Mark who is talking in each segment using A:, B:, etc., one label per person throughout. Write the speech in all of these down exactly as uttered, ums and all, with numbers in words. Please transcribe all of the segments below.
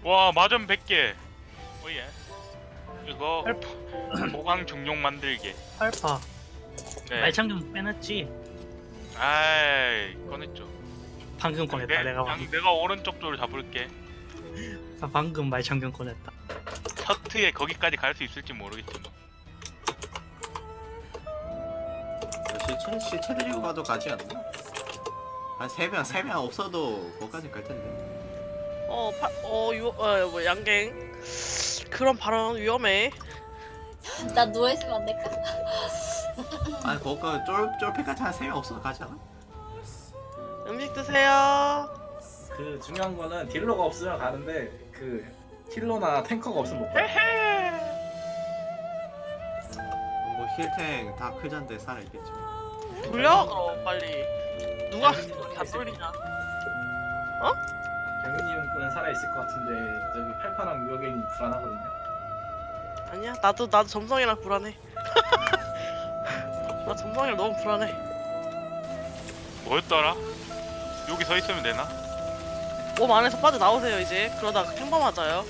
A: 와 마전 백 개. 오예. 이거 보강 중용 만들기.
B: 알파
A: 네.
B: 말창 좀 빼놨지.
A: 아이 꺼냈죠.
B: 방금 꺼냈다.
A: 내,
B: 내가
A: 양,
B: 방금,
A: 내가 오른쪽 쪽을 잡을게.
B: 나 방금 말창경 꺼냈다.
A: 셔트에 거기까지 갈 수 있을지 모르겠지만.
C: 시체 시체 들리고 가도 가지 않나? 한 세 명 세 명 없어도 거기까지 갈 텐데.
D: 어, 파, 어, 유, 어, 뭐 양갱. 그런 발언 위험해.
E: 나 누워있으면 안 될까?
C: 아니 거기까지 쫄 쫄피까지 한 세 명 없어도 가지 않아?
D: 음식 드세요.
F: 그 중요한 거는 딜러가 없으면 가는데 그 힐러나 탱커가 없으면 못 가.
C: 뭐 힐탱 다 크잔데 살아 있겠지.
D: 돌려 그럼 빨리. 누가 그렇게 안 돌리냐?
F: 경윤님은 살아 있을 것 같은데 저기 팔파랑 유효견이 불안하거든요.
D: 아니야, 나도 나도 점성이랑 불안해. 나 점성이랑 너무 불안해.
A: 뭐였더라? 여기 서 있으면 되나?
D: 몸 안에서 빠져 나오세요 이제. 그러다가 탱범 맞아요.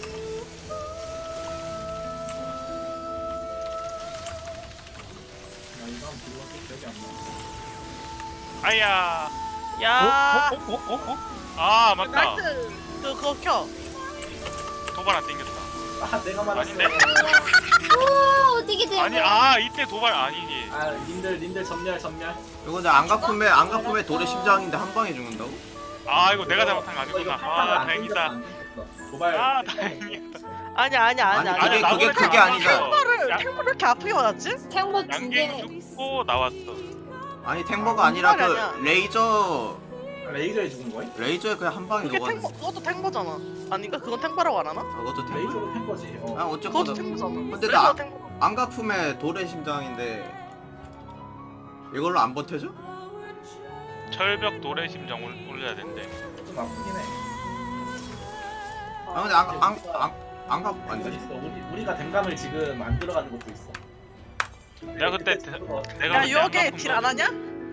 F: 나 이거 한번 딜러가 기억이 안 나.
A: 아야.
D: 야,
B: 어? 어? 어? 어? 어?
A: 아 맞다.
D: 나이스. 그 그거 켜.
A: 도발 안 땡겼다.
F: 아 내가 말했어.
A: 아닌데?
E: 우와 어떻게 된
A: 아니
E: 거야?
A: 아 이때 도발 아니지.
F: 아 님들 님들 전멸 전멸.
C: 이거 근데 안가품에 안가품에 돌의 심장인데 한 방에 죽는다고?
A: 아 이거 내가 잘못한 거
F: 이거
A: 아니구나.
F: 팔파가
A: 아
F: 안
A: 다행이다.
F: 땡겼어, 안 땡겼어. 도발.
A: 아 다행이다.
D: 아니야 아니야 아니야.
C: 아니,
D: 아니야.
C: 그게-
A: 나보다
C: 그게
A: 잘
C: 아니잖아.
A: 맞았어.
D: 탱버를
A: 야,
D: 탱버를 이렇게 아프게 맞았지?
E: 탱버 두
A: 양갱
E: 개.
A: 죽고 나왔어.
C: 아니 탱버가 아니라 그
D: 아니야.
C: 레이저
F: 레이저에 죽은 거야?
C: 레이저에 그냥 한 방에
D: 그게
C: 녹았는데.
D: 탱버, 그것도 탱버잖아. 아닌가? 그건 탱버라고 안 하나?
C: 아, 그것도 탱버.
F: 레이저로 탱거지. 어.
C: 아
D: 그것도
C: 어쨌거나
D: 탱버잖아.
C: 근데
D: 레이저
C: 나-
D: 탱버.
C: 안가품에 돌의 심장인데 이걸로 안 버텨져?
A: 철벽 돌의 심장 올, 올려야 된대.
F: 좀 아프긴 해.
C: 아 근데 안안안 안가 안
F: 이거
C: 돼.
F: 있어. 우리 우리가 댕감을 지금 안 들어가는 것도 있어.
A: 내가 그때 대- 내가
D: 야
A: 그때
D: 유혹에
A: 안
D: 딜 안 하냐?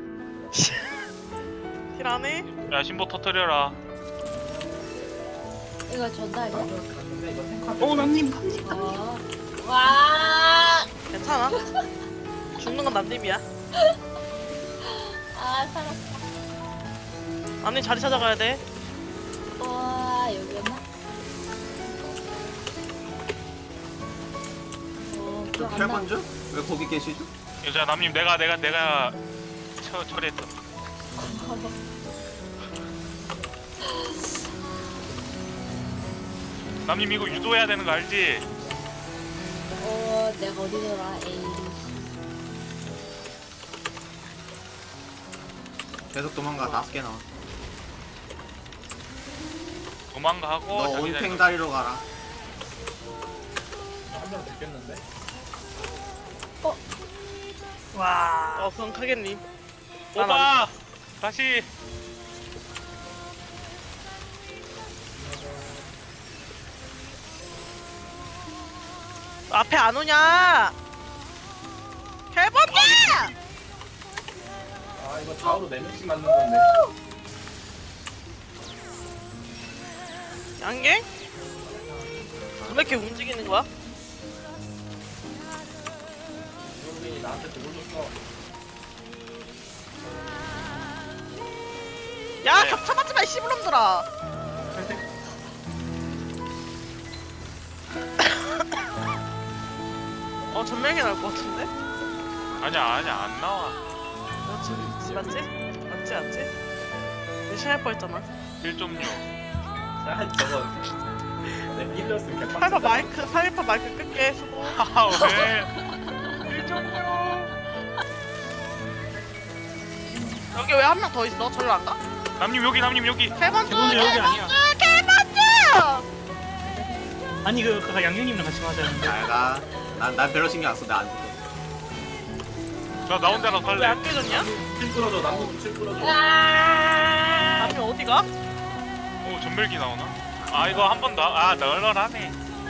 D: 딜 안 해?
A: 야 신보 터뜨려라.
E: 이거 전달이야?
F: 근데 이거 탱커.
B: 어 남님 갑니다.
E: 어. 와.
D: 괜찮아. 죽는 건 남님이야.
E: 아 살았다.
D: 남님 자리 찾아가야 돼.
E: 와 여기였나? 어 기억 안 나.
C: 탈번주? 왜 거기 계시죠?
A: 여자 남님 내가 내가 내가 처 처리했어. 남님 이거 유도해야 되는 거 알지?
E: 어 내가 어디더라? 에이.
C: 계속 도망가 다섯 개 나와.
A: 도망가고
C: 너
A: 자기
C: 온팽
A: 자리-
C: 다리로 가라.
F: 한명 죽겠는데.
B: 와.
D: 어 그건 크겠님.
A: 오빠 다시.
D: 앞에 안 오냐? 해본다!
F: 아 이거 좌우로 네 명씩 맞는 건데.
D: 양갱? 왜 이렇게 움직이는 거야?
F: 유효견이 나한테 돌렸어.
D: 야
A: 네.
D: 겹쳐 맞지 마, 이 씨부름들아. 어 전멸이 나올 것 같은데?
A: 아니야 아니야 안 나와.
D: 맞지? 맞지? 맞지? 맞지? 의심할 뻔했잖아.
A: 일 점 육.
F: 아 저거. 내 힐러스 개빡.
D: 팔파 마이크, 팔파 마이크 끌게 수고.
A: 아 왜? 일 점 육.
D: 여기 왜 한 명 더 있어? 절로 안 가?
A: 남님 여기 남님 여기.
D: 개반주!
B: 대본도 여기 아니야.
D: 개반주!
B: 아니 그, 그 양갱님이랑 같이 맞았는데.
C: 잘가. 난난 별로 신경 안 써. 나안 죽어.
A: 나 나 혼자 가서
D: 왜
A: 살래.
D: 안 깨졌냐?
F: 칠 끌어줘. 남도 칠 끌어줘.
E: 아.
D: 남이 어디가?
A: 오 전멸기 나오나? 아 이거 한 번 더. 아 널널하네.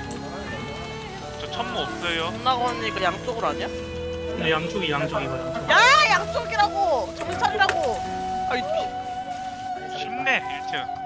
A: 저 천무 없어요.
D: 존나건이 그 양쪽으로 아니야?
B: 근데 양쪽이 양쪽이거든.
D: 야 양쪽이라고! 정찰이라고! 아이
A: 쉽네 일 층.